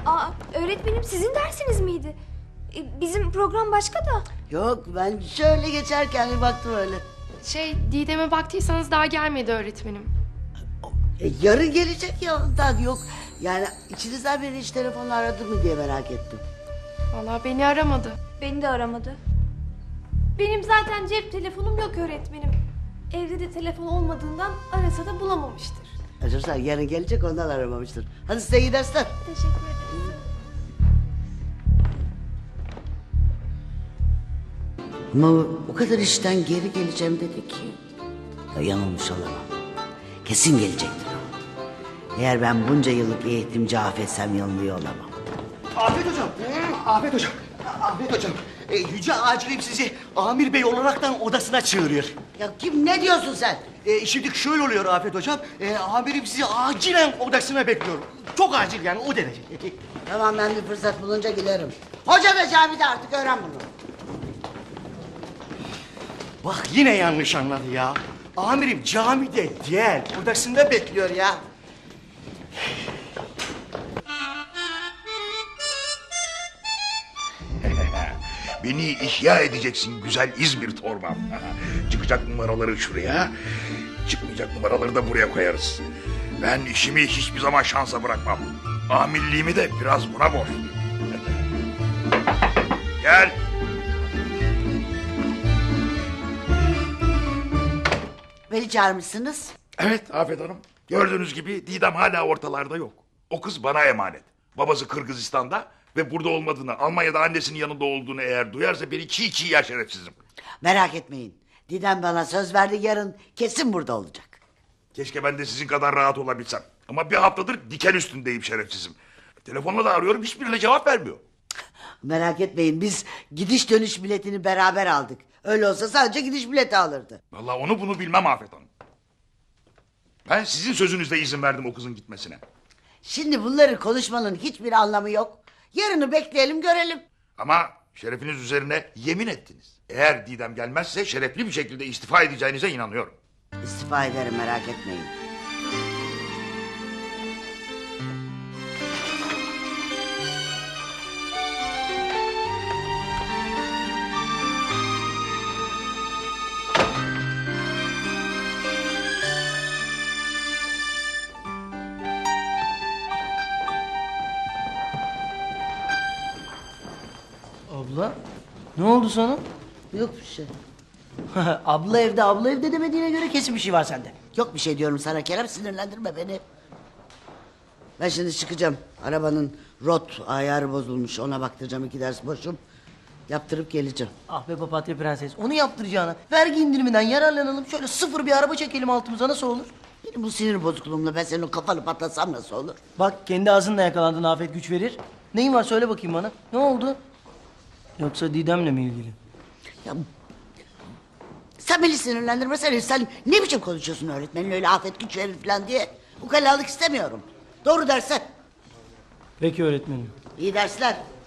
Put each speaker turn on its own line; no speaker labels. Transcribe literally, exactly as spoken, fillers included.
Aa, öğretmenim sizin dersiniz miydi? E, bizim program başka da.
Yok, ben şöyle geçerken bir baktım öyle.
Şey, Didem'e baktıysanız daha gelmedi öğretmenim.
E, yarın gelecek ya ondan. Yok yani içinizden biri hiç telefonla aradı mı diye merak ettim.
Vallahi beni aramadı.
Beni de aramadı. Benim zaten cep telefonum yok öğretmenim. Evde de telefon olmadığından arasa da bulamamıştır.
Çocuklar yarın gelecek, ondan aramamıştır. Hadi size iyi dersler.
Teşekkür ederim.
Ama o kadar işten geri geleceğim dedi ki. Ya yanılmış olamam. Kesin gelecektir o. Eğer ben bunca yıllık eğitimci affetsem yanılıyor olamam.
Afet hocam. Afet hocam. Afet hocam. E, Yüce Acilim sizi Amir Bey olaraktan odasına çağırıyor.
Ya kim, ne diyorsun sen?
E, şimdi şöyle oluyor Afet hocam. E, amirim sizi acilen odasına bekliyor. Çok acil yani, o derece.
Tamam, ben bir fırsat bulunca giderim. Hoca da camide, artık öğren bunu.
Bak yine yanlış anladı ya. Amirim camide değil, odasında bekliyor ya.
Beni ihya edeceksin güzel İzmir torbam. Çıkacak numaraları şuraya, çıkmayacak numaraları da buraya koyarız. Ben işimi hiçbir zaman şansa bırakmam. Amirliğimi de biraz buna borçluyum. Gel.
Beni çağırmışsınız.
Evet Afet Hanım. Gördüğünüz gibi Didem hala ortalarda yok. O kız bana emanet. Babası Kırgızistan'da ve burada olmadığını, Almanya'da annesinin yanında olduğunu eğer duyarsa beni çiğ çiğ yer şerefsizim.
Merak etmeyin. Didem bana söz verdi, yarın kesin burada olacak.
Keşke ben de sizin kadar rahat olabilsem. Ama bir haftadır diken üstündeyim şerefsizim. Telefonla da arıyorum, hiçbirine cevap vermiyor.
Merak etmeyin, biz gidiş dönüş biletini beraber aldık. Öyle olsa sadece gidiş bileti alırdı.
Vallahi onu bunu bilmem Afet Hanım. Ben sizin sözünüzle izin verdim o kızın gitmesine.
Şimdi bunları konuşmanın hiçbir anlamı yok. Yarını bekleyelim, görelim.
Ama şerefiniz üzerine yemin ettiniz. Eğer Didem gelmezse şerefli bir şekilde istifa edeceğinize inanıyorum.
İstifa ederim, merak etmeyin.
Abla, ne oldu sana?
Yok bir şey.
Abla evde, abla evde demediğine göre kesin bir şey var sende.
Yok bir şey diyorum sana Kerem, sinirlendirme beni. Ben şimdi çıkacağım. Arabanın rot ayarı bozulmuş, ona baktıracağım, iki ders boşum. Yaptırıp geleceğim.
Ah be papatya prenses, onu yaptıracağına vergi indiriminden yararlanalım, şöyle sıfır bir araba çekelim altımıza, nasıl olur?
Benim bu sinir bozukluğumla ben senin o kafanı patlatsam nasıl olur?
Bak kendi ağzınla yakalandın, afet güç verir. Neyin var söyle bakayım bana, ne oldu? Yoksa Didem'le mi ilgili?
Ya, sen beni sinirlendirmesene. Sen ne biçim konuşuyorsun öğretmenin, öyle afet güç verir falan diye. Ukalalık istemiyorum. Doğru dersen.
Peki öğretmenim.
İyi dersler.